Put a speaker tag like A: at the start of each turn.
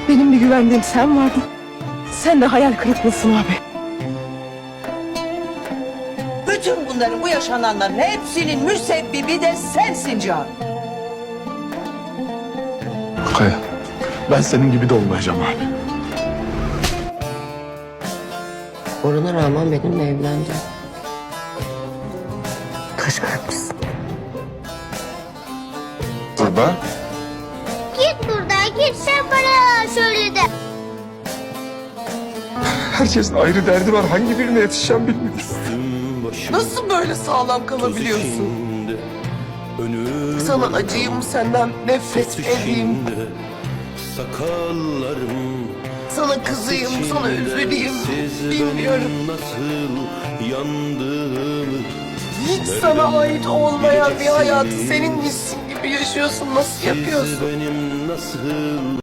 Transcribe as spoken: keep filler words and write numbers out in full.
A: Benim bir güvendiğim sen vardın. Sen de hayal kırıklığısın abi.
B: Bütün bunların, bu yaşananların hepsinin müsebbibi de sensin Can.
C: Kaya, ben senin gibi de olmayacağım abi.
D: Orhan'a rağmen benimle evlendi. Kaş kalplisin.
C: Baba.
E: Git buradan git sen bana söyle de.
C: Herkesin ayrı derdi var. Hangi birine yetişeceğim bilmiyorum.
A: Nasıl böyle sağlam kalabiliyorsun? Sana acıyım, senden nefret edeyim.
F: Sakallarım
A: Sana kızayım, sana üzüleyim. Bilmiyorum.
F: nasıl yandığımı
A: Hiç sana ait olmayan bir hayatı seninmişsin gibi yaşıyorsun. Nasıl yapıyorsun?
F: benim nasıl